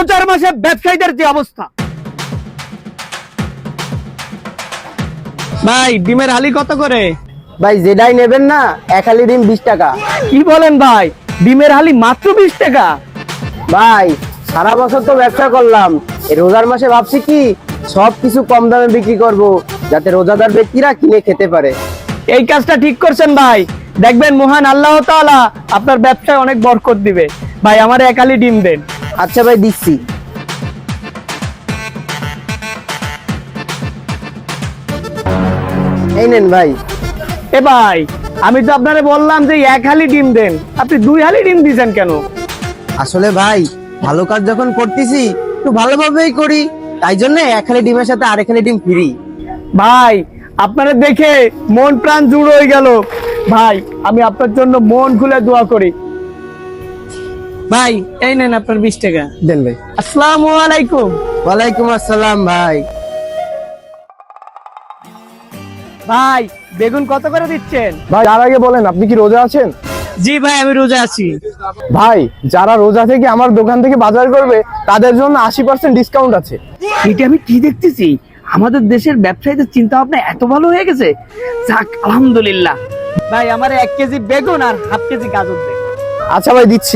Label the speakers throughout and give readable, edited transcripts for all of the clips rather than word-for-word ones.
Speaker 1: রোজার মাসে ব্যবসায়ীদের যে অবস্থা। ভাই ডিমের হালি কত করে?
Speaker 2: ভাই যেটাই নেবেন না, এক হালি ডিম 20 টাকা।
Speaker 1: কি বলেন ভাই, ডিমের হালি মাত্র 20 টাকা?
Speaker 2: ভাই সারা বছর তো ব্যবসা করলাম, এই রোজার মাসে ভাবছি কি সবকিছু কম দামে বিক্রি করব, যাতে রোজাদার ব্যক্তিরা কিনে খেতে পারে।
Speaker 1: এই কাজটা ঠিক করছেন ভাই, দেখবেন মহান আল্লাহ তাআলা আপনার ব্যবসায় অনেক বরকত দিবে। ভাই আমার এক হালি ডিম দেন।
Speaker 2: আচ্ছা ভাই দিচ্ছি। এই নেন ভাই।
Speaker 1: এ ভাই, আমি তো আপনারে বললাম যে এক হালি ডিম দেন, আপনি 2 হালি ডিম দিয়েছেন কেন?
Speaker 2: আসলে ভাই ভালো কাজ যখন করতেছি একটু ভালোভাবেই করি, তাই জন্য এক হালি ডিমের সাথে আরেক হালি ডিম ফ্রি।
Speaker 1: ভাই আপনারা দেখে মন প্রাণ জুড়ে হয়ে গেল। ভাই আমি আপনার জন্য মন খুলে দোয়া করি। ভাই এই নেন আপনার 20 টাকা।
Speaker 2: দেন ভাই।
Speaker 1: আসসালামু আলাইকুম।
Speaker 2: ওয়ালাইকুম আসসালাম ভাই।
Speaker 1: ভাই বেগুন কত করে দিচ্ছেন?
Speaker 3: ভাই তার আগে বলেন আপনি কি রোজা আছেন?
Speaker 1: জি ভাই আমি রোজা আছি।
Speaker 3: ভাই যারা রোজা থেকে আমার দোকান থেকে বাজার করবে তাদের জন্য 80% ডিসকাউন্ট আছে।
Speaker 1: এটা আমি কি দেখতেছি, আমাদের দেশের ব্যবসায়ীদের চিন্তা ভাবনা এত ভালো হয়ে গেছে। যাক আলহামদুলিল্লাহ। ভাই আমার 1 কেজি বেগুন আর হাফ কেজি গাজর দেন।
Speaker 3: আচ্ছা ভাই দিচ্ছি।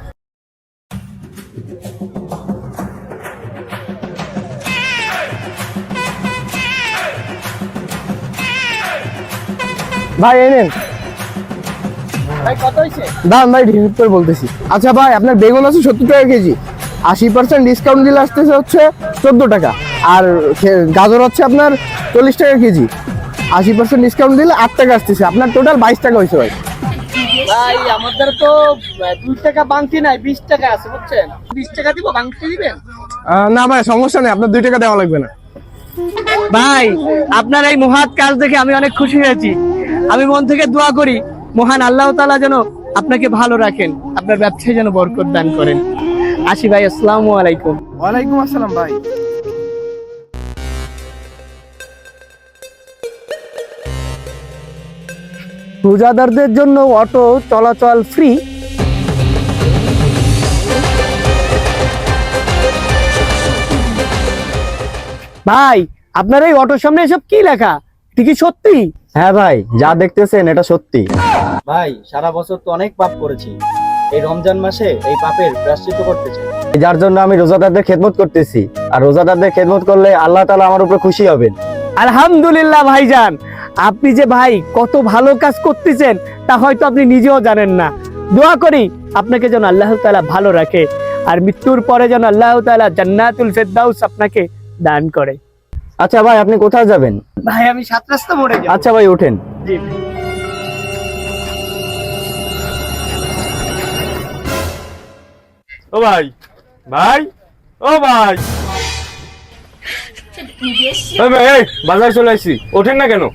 Speaker 3: ভাই এই নেন।
Speaker 1: ভাই কত হইছে?
Speaker 3: দাম ভাই হিসাব করে বলতেছি। আচ্ছা ভাই আপনার বেগুন আছে 70 টাকা কেজি, 80% ডিসকাউন্ট দিলে আসতেছে হচ্ছে 14 টাকা, আর গাজর হচ্ছে আপনার 40 টাকা কেজি, 80% ডিসকাউন্ট দিলে 8 টাকা আসতেছে, আপনার টোটাল 22 টাকা হয়েছে ভাই।
Speaker 1: ভাই আমাদের তো 2 টাকা বাংতি নাই, 20 টাকা আছে বুঝছেন। 20 টাকা দিব, বাংতি দিবেন?
Speaker 3: না ভাই সমস্যা নেই, আপনার 2 টাকা দেওয়া লাগবে না।
Speaker 1: ভাই আপনার এই মহৎ কাজ দেখে আমি অনেক খুশি হয়েছি। আমি মন থেকে দোয়া করি মহান আল্লাহ তাআলা যেন আপনাকে ভালো রাখেন, আপনার ব্যবসায় যেন বরকত দান করেন। আসি ভাই, আসসালামু আলাইকুম।
Speaker 3: ওয়ালাইকুম আসসালাম ভাই।
Speaker 2: রোজাদারদের জন্য অটো চলাচল ফ্রি।
Speaker 1: ভাই আপনার এই অটোর সামনে এসব কি লেখা, এটা কি সত্যি?
Speaker 2: হ্যাঁ ভাই যা দেখতেছেন এটা সত্যি।
Speaker 4: ভাই সারা বছর তো অনেক পাপ করেছি, এই রমজান মাসে এই পাপের প্রায়শ্চিত্ত করতে চাই।
Speaker 2: যার জন্য আমি রোজাদারদের খেদমত করতেছি, আর রোজাদারদের খেদমত করলে আল্লাহ তাআলা আমার উপর খুশি হবেন।
Speaker 1: আলহামদুলিল্লাহ ভাইজান, আপনি যে ভাই কত ভালো কাজ করতেছেন তা হয়তো আপনি নিজেও জানেন না। দোয়া করি আপনাকে যেন আল্লাহ তাআলা ভালো রাখে, আর মৃত্যুর পরে যেন আল্লাহ তাআলা জান্নাতুল ফেরদাউস আপনাকে দান করে।
Speaker 2: আচ্ছা ভাই আপনি কোথায় যাবেন?
Speaker 1: ভাই আমি 7 রাস্তা মোড়ে যাব।
Speaker 2: আচ্ছা ভাই ওঠেন।
Speaker 1: জি।
Speaker 3: ও ভাই, ভাই ও ভাই, এই বাজার চলে আসছি, ওঠেন না কেন?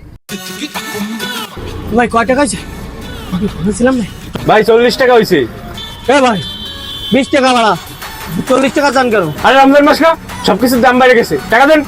Speaker 1: ভাই কয় টাকা আছে? আমি বলেছিলাম না
Speaker 3: ভাই 40 টাকা হয়েছে।
Speaker 1: এ ভাই 20 টাকা ভাড়া, 40 টাকা চান কেন?
Speaker 3: আরে রমজান মাস না, সবকিছুর দাম বেড়ে গেছে, টাকা দেন।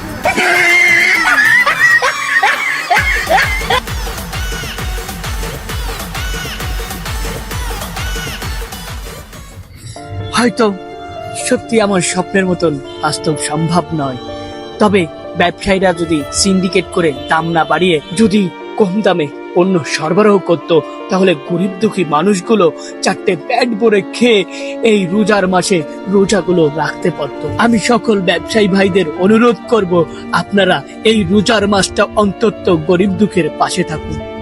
Speaker 1: হয়তো সত্যি আমার স্বপ্নের মতন বাস্তব সম্ভব নয়, তবে ব্যবসায়ীরা যদি সিন্ডিকেট করে দাম না বাড়িয়ে যদি কম দামে পণ্য সরবরাহ করত, তাহলে গরিব দুঃখী মানুষগুলো 4টে পেট ভরে খেয়ে এই রোজার মাসে রোজাগুলো রাখতে পারত। আমি সকল ব্যবসায়ী ভাইদের অনুরোধ করব, আপনারা এই রোজার মাসটা অন্তত গরিব দুঃখের পাশে থাকুন।